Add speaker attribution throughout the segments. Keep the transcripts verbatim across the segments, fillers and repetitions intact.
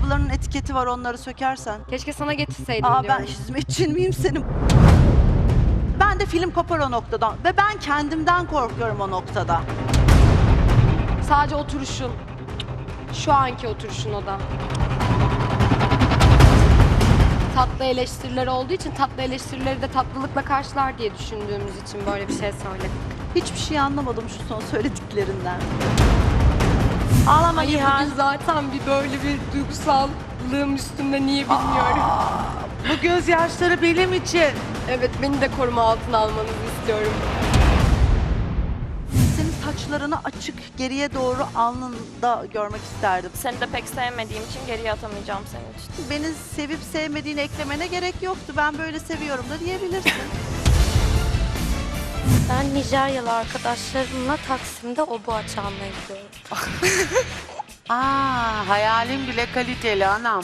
Speaker 1: ayakkabılarının etiketi var, onları sökersen.
Speaker 2: Keşke sana getirseydim
Speaker 1: Aa,
Speaker 2: diyorum.
Speaker 1: ben hizmetçin miyim senin? Ben de film kopar o noktadan ve ben kendimden korkuyorum o noktada.
Speaker 2: Sadece oturuşun. Şu anki oturuşun o da. Tatlı eleştiriler olduğu için tatlı eleştirileri de tatlılıkla karşılar diye düşündüğümüz için böyle bir şey söyledim.
Speaker 1: Hiçbir şey anlamadım şu son söylediklerinden. Ağlama
Speaker 2: Hayır,
Speaker 1: Nihan.
Speaker 2: bugün zaten bir böyle bir duygusallığım üstümde, niye bilmiyorum.
Speaker 1: Bu gözyaşları benim için.
Speaker 2: Evet, beni de koruma altına almanızı istiyorum.
Speaker 1: Senin saçlarını açık geriye doğru alnında görmek isterdim.
Speaker 3: Seni de pek sevmediğim için geriye atamayacağım senin için.
Speaker 1: Beni sevip sevmediğini eklemene gerek yoktu. Ben böyle seviyorum da diyebilirsin.
Speaker 4: Ben Nijeryalı arkadaşlarımla Taksim'de obuğa çalmaya gidiyorum.
Speaker 5: Aa, hayalim bile kaliteli anam.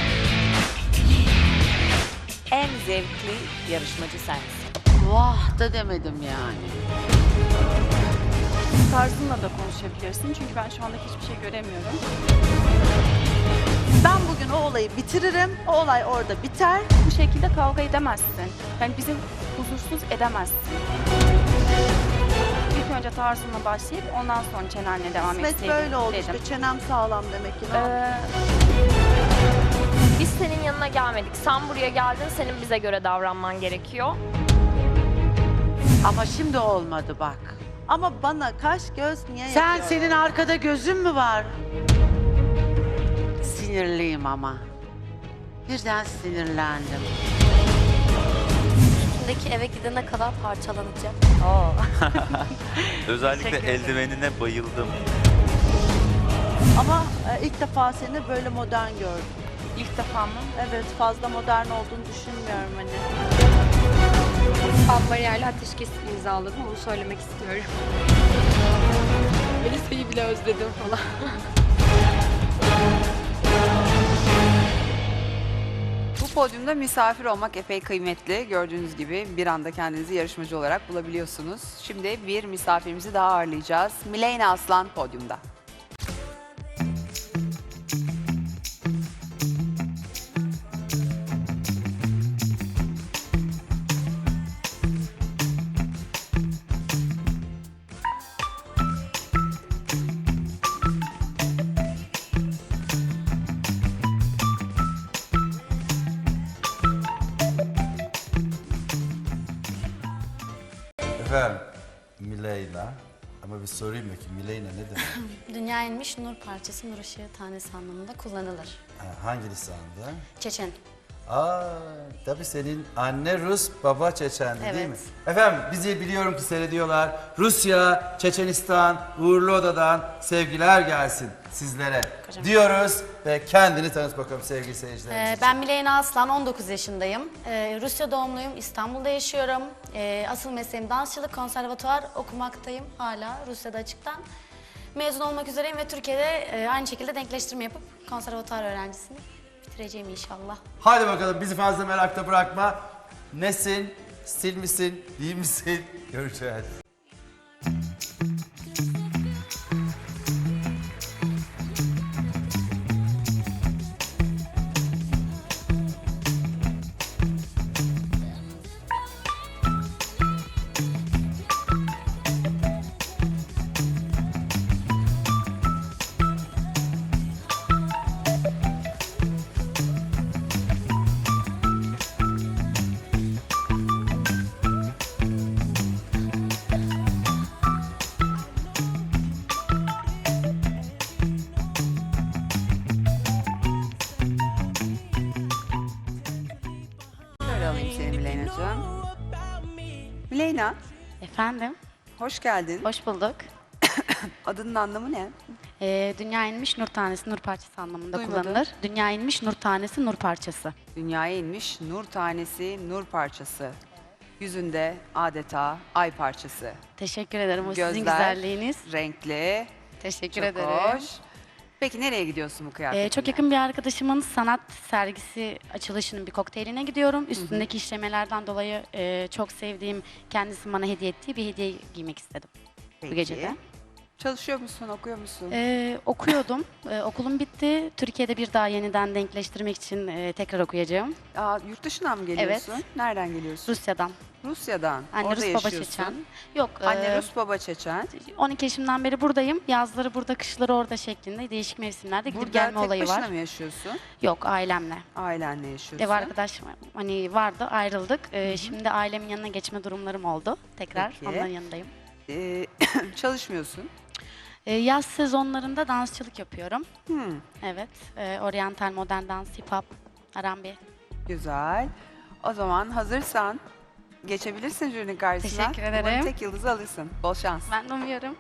Speaker 6: En zevkli yarışmacı sensin.
Speaker 5: Vah da demedim yani.
Speaker 7: Tarzınla da konuşabilirsin çünkü ben şu anda hiçbir şey göremiyorum.
Speaker 1: Ben bugün o olayı bitiririm. O olay orada biter.
Speaker 7: Bu şekilde kavga edemezsin. Yani bizi huzursuz edemezsin. İlk önce tarzınla başlayıp ondan sonra çenenle devam
Speaker 1: Kısmet
Speaker 7: etseydin
Speaker 1: böyle oldu
Speaker 7: dedim.
Speaker 1: işte. Çenem sağlam demek ki. Ne yapayım?
Speaker 7: Ee,
Speaker 3: Biz senin yanına gelmedik. Sen buraya geldin, senin bize göre davranman gerekiyor.
Speaker 5: Ama şimdi olmadı bak.
Speaker 1: Ama bana kaş göz niye
Speaker 5: Sen
Speaker 1: yapıyor?
Speaker 5: senin arkada gözün mü var? Sinirliyim ama. Birden sinirlendim.
Speaker 4: Üstündeki eve gidene kadar parçalanacak.
Speaker 8: Özellikle eldivenine bayıldım.
Speaker 1: Ama e, ilk defa seni böyle modern gördüm.
Speaker 7: ilk defa mı?
Speaker 1: Evet, fazla modern olduğunu düşünmüyorum hani.
Speaker 2: Ben bariyerle ateşkes imzaladım, onu söylemek istiyorum. Melisa'yı bile özledim falan.
Speaker 9: Bu podyumda misafir olmak epey kıymetli. Gördüğünüz gibi bir anda kendinizi yarışmacı olarak bulabiliyorsunuz. Şimdi bir misafirimizi daha ağırlayacağız. Mileyna Aslan podyumda.
Speaker 10: Efendim, Mileyna. Ama bir sorayım bakayım, Mileyna ne demek?
Speaker 4: Dünya inmiş nur parçası, nur ışığı tanesi anlamında kullanılır.
Speaker 10: Ha, hangi lisanda?
Speaker 4: Çeçen.
Speaker 10: Aa, tabii senin anne Rus, baba Çeçendi değil
Speaker 4: Evet.
Speaker 10: mi? Efendim, bizi biliyorum ki seyrediyorlar. Rusya, Çeçenistan, Uğurlu Oda'dan sevgiler gelsin sizlere
Speaker 4: Kocam.
Speaker 10: diyoruz. Ve kendini tanıt bakalım sevgili seyircilerimiz
Speaker 4: Ee,
Speaker 10: için.
Speaker 4: ben Mileyna Aslan, on dokuz yaşındayım. Ee, Rusya doğumluyum, İstanbul'da yaşıyorum. Ee, asıl mesleğim dansçılık, konservatuvar okumaktayım hala Rusya'da açıktan. Mezun olmak üzereyim ve Türkiye'de e, aynı şekilde denkleştirme yapıp konservatuvar öğrencisini bitireceğim inşallah.
Speaker 10: Hadi bakalım bizi fazla merakta bırakma. Nesin, stil misin, değil misin? Göreceğiz.
Speaker 9: Şöyle alayım seni Mileyna'cığım. Mileyna,
Speaker 4: Efendim,
Speaker 9: hoş geldin.
Speaker 4: hoş bulduk.
Speaker 9: Adının anlamı ne?
Speaker 4: Ee, dünya inmiş nur tanesi, nur parçası anlamında
Speaker 9: Duymadım.
Speaker 4: kullanılır. Dünya inmiş nur tanesi, nur parçası.
Speaker 9: Dünyaya inmiş nur tanesi, nur parçası. Yüzünde adeta ay parçası.
Speaker 4: Teşekkür ederim, o sizin
Speaker 9: Gözler
Speaker 4: güzelliğiniz.
Speaker 9: renkli.
Speaker 4: Teşekkür
Speaker 9: Çok
Speaker 4: ederim.
Speaker 9: hoş. Peki nereye gidiyorsun bu kıyafetle?
Speaker 4: Ee, çok yakın bir arkadaşımın sanat sergisi açılışının bir kokteyline gidiyorum. Üstündeki işlemelerden dolayı e, çok sevdiğim, kendisi bana hediye ettiği bir hediye giymek istedim
Speaker 9: Peki.
Speaker 4: bu gecede.
Speaker 9: Çalışıyor musun, okuyor musun?
Speaker 11: Ee, okuyordum. Ee, okulum bitti. Türkiye'de bir daha yeniden denkleştirmek için e, tekrar okuyacağım.
Speaker 9: Aa, yurt dışından mı geliyorsun?
Speaker 11: Evet.
Speaker 9: Nereden geliyorsun?
Speaker 11: Rusya'dan.
Speaker 9: Rusya'dan.
Speaker 11: Anne
Speaker 9: Orada
Speaker 11: Rus baba
Speaker 9: yaşıyorsun.
Speaker 11: Çeçen. Yok.
Speaker 9: Anne
Speaker 11: e,
Speaker 9: Rus, baba Çeçen.
Speaker 11: on iki yaşımdan beri buradayım. Yazları burada, kışları orada şeklinde değişik mevsimlerde gidip
Speaker 9: Burada
Speaker 11: gelme
Speaker 9: tek
Speaker 11: olayı
Speaker 9: başına
Speaker 11: var.
Speaker 9: mı yaşıyorsun?
Speaker 11: Yok, ailemle.
Speaker 9: Ailenle yaşıyorsun.
Speaker 11: Ev arkadaşım hani vardı, ayrıldık. Ee, şimdi ailemin yanına geçme durumlarım oldu. Tekrar
Speaker 9: Peki.
Speaker 11: onların yanındayım.
Speaker 9: Ee, çalışmıyorsun.
Speaker 11: Ee, yaz sezonlarında dansçılık yapıyorum.
Speaker 9: Hmm,
Speaker 11: Evet. E, oryantal, modern dans, hip hop, R and B.
Speaker 9: güzel. O zaman hazırsan geçebilirsin jürinin karşısına.
Speaker 11: Teşekkür ederim.
Speaker 9: Umarım tek yıldızı alırsın. Bol şans.
Speaker 11: Ben de umuyorum.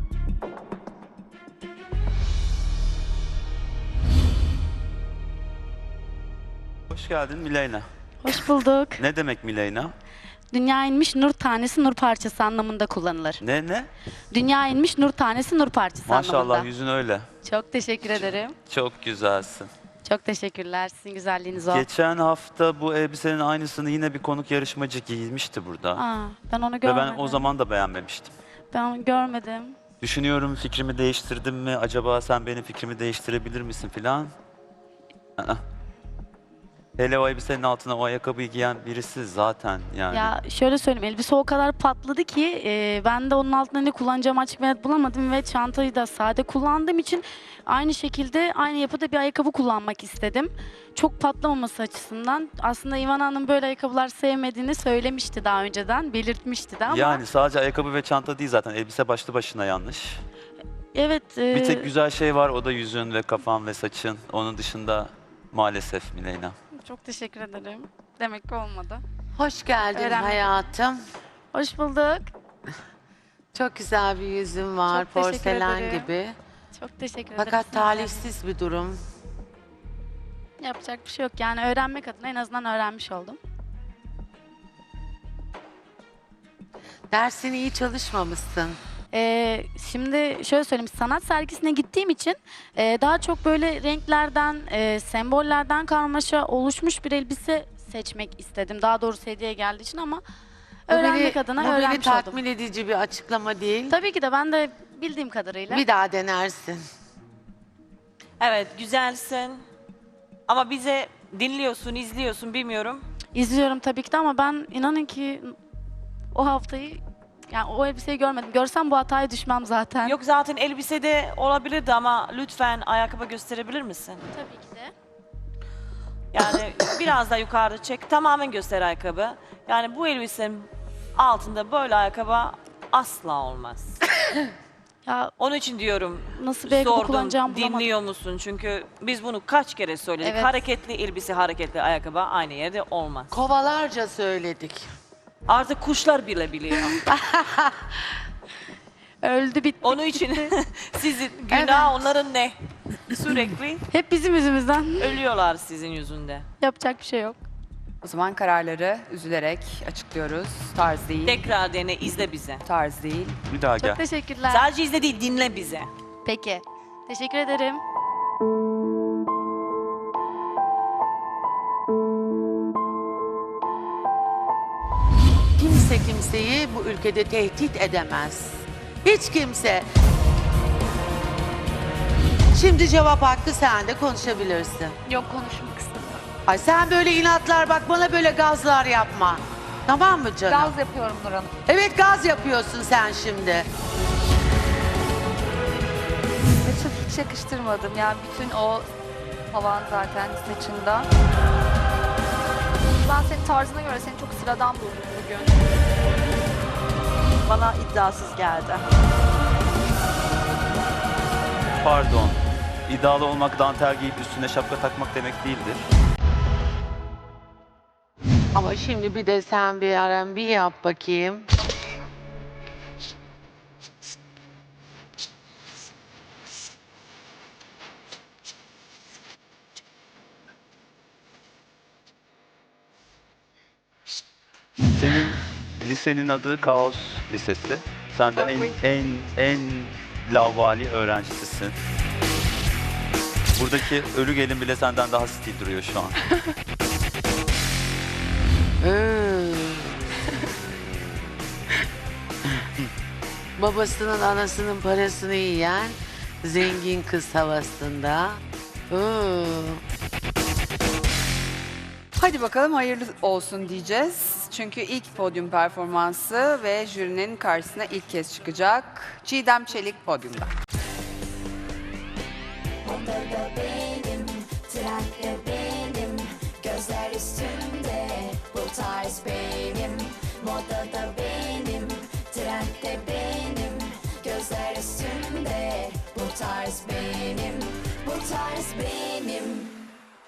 Speaker 8: Hoş geldin Mileyna.
Speaker 11: Hoş bulduk.
Speaker 8: Ne demek Mileyna?
Speaker 11: Dünya inmiş nur tanesi nur parçası anlamında kullanılır.
Speaker 8: Ne ne?
Speaker 11: Dünya inmiş nur tanesi nur parçası
Speaker 8: Maşallah
Speaker 11: anlamında.
Speaker 8: yüzün öyle.
Speaker 11: Çok teşekkür ederim.
Speaker 8: Çok güzelsin.
Speaker 11: Çok teşekkürler. Sizin güzelliğiniz o.
Speaker 8: Geçen hafta bu elbisenin aynısını yine bir konuk yarışmacı giymişti burada.
Speaker 11: Aa, ben onu
Speaker 8: Ve
Speaker 11: görmedim.
Speaker 8: ben o zaman da beğenmemiştim.
Speaker 11: Ben onu görmedim.
Speaker 8: Düşünüyorum fikrimi değiştirdim mi? Acaba sen benim fikrimi değiştirebilir misin filan? Aa. Hele o elbisenin altına o ayakkabıyı giyen birisi zaten yani.
Speaker 11: Ya şöyle söyleyeyim, elbise o kadar patladı ki e, ben de onun altında ne kullanacağımı açık ve net bulamadım ve çantayı da sade kullandığım için aynı şekilde aynı yapıda bir ayakkabı kullanmak istedim. Çok patlamaması açısından. Aslında İvan Hanım böyle ayakkabılar sevmediğini söylemişti daha önceden, belirtmişti de ama.
Speaker 8: Yani sadece ayakkabı ve çanta değil zaten elbise başlı başına yanlış.
Speaker 11: Evet. e,
Speaker 8: Bir tek güzel şey var, o da yüzün ve kafan ve saçın. Onun dışında maalesef Mileyna.
Speaker 11: Çok teşekkür ederim. Demek ki olmadı.
Speaker 5: Hoş geldin
Speaker 11: Öğrenmedim.
Speaker 5: hayatım.
Speaker 11: Hoş bulduk.
Speaker 5: Çok güzel bir yüzün var,
Speaker 11: Çok teşekkür
Speaker 5: porselen
Speaker 11: ederim.
Speaker 5: gibi.
Speaker 11: Çok teşekkür ederim.
Speaker 5: Fakat
Speaker 11: Sizin de.
Speaker 5: talihsiz bir durum.
Speaker 11: Yapacak bir şey yok. Yani öğrenmek adına en azından öğrenmiş oldum.
Speaker 5: Dersini iyi çalışmamışsın.
Speaker 11: Ee, şimdi şöyle söyleyeyim, sanat sergisine gittiğim için e, daha çok böyle renklerden, e, sembollerden karmaşa oluşmuş bir elbise seçmek istedim. Daha doğrusu hediye geldiği için ama
Speaker 5: Bu
Speaker 11: öğrenmek
Speaker 5: beni-
Speaker 11: adına
Speaker 5: bu beni
Speaker 11: öğrenmiş oldum.
Speaker 5: tatmin edici bir açıklama değil.
Speaker 11: Tabii ki de ben de bildiğim kadarıyla.
Speaker 5: Bir daha denersin.
Speaker 6: Evet, güzelsin. Ama bize dinliyorsun, izliyorsun bilmiyorum.
Speaker 11: İzliyorum tabii ki de ama ben inanın ki o haftayı, yani o elbiseyi görmedim. Görsem bu hataya düşmem zaten.
Speaker 6: Yok zaten elbisede olabilirdi ama lütfen ayakkabı gösterebilir misin?
Speaker 11: Tabii ki de.
Speaker 6: Yani biraz da yukarıda çek, tamamen göster ayakkabı. Yani bu elbisenin altında böyle ayakkabı asla olmaz.
Speaker 11: Ya
Speaker 6: Onun için diyorum,
Speaker 11: nasıl bir ayakkabı
Speaker 6: sordum,
Speaker 11: kullanacağımı bulamadım.
Speaker 6: dinliyor musun? Çünkü biz bunu kaç kere söyledik.
Speaker 11: Evet.
Speaker 6: Hareketli elbise, hareketli ayakkabı aynı yerde olmaz.
Speaker 5: Kovalarca söyledik.
Speaker 6: Artık kuşlar bile biliyor.
Speaker 11: Öldü bitti.
Speaker 6: Onun için sizin günah onların ne? Sürekli
Speaker 11: Hep bizim yüzümüzden.
Speaker 6: ölüyorlar sizin yüzünde.
Speaker 11: Yapacak bir şey yok.
Speaker 9: O zaman kararları üzülerek açıklıyoruz. Tarz değil,
Speaker 6: Tekrar dene, izle bize.
Speaker 9: tarz değil.
Speaker 8: Bir daha
Speaker 11: Çok
Speaker 8: gel.
Speaker 11: teşekkürler.
Speaker 6: Sadece izle değil, dinle bize.
Speaker 11: Peki. Teşekkür ederim.
Speaker 5: Kimse kimseyi bu ülkede tehdit edemez. Hiç kimse. Şimdi cevap hakkı sende, konuşabilirsin.
Speaker 7: Yok, konuşmak istemiyorum.
Speaker 5: Ay sen böyle inatlar, bak bana böyle gazlar yapma. Tamam mı canım?
Speaker 7: Gaz yapıyorum Nur Hanım.
Speaker 5: Evet, gaz yapıyorsun sen şimdi.
Speaker 7: Saçı hiç yakıştırmadım. Yani bütün o havan zaten saçında. Ben senin tarzına göre seni çok sıradan buldum bugün.
Speaker 6: Bana iddiasız geldi.
Speaker 8: Pardon. İddialı olmak dantel giyip üstüne şapka takmak demek değildir.
Speaker 5: Ama şimdi bir de sen bir R and B yap bakayım.
Speaker 8: Senin lisenin adı Kaos Lisesi. Senden en en en lavvali öğrencisisin. Buradaki ölü gelin bile senden daha stil duruyor şu an.
Speaker 5: Hmm. babasının anasının parasını yiyen zengin kız havasında. Oo.
Speaker 9: Hadi bakalım hayırlı olsun diyeceğiz. Çünkü ilk podyum performansı ve jürinin karşısına ilk kez çıkacak. Çiğdem Çelik podyumda.
Speaker 12: Modada benim, trendde benim, gözler üstümde, bu tarz benim. Modada benim, trendde benim, gözler üstümde, bu tarz benim, bu tarz benim.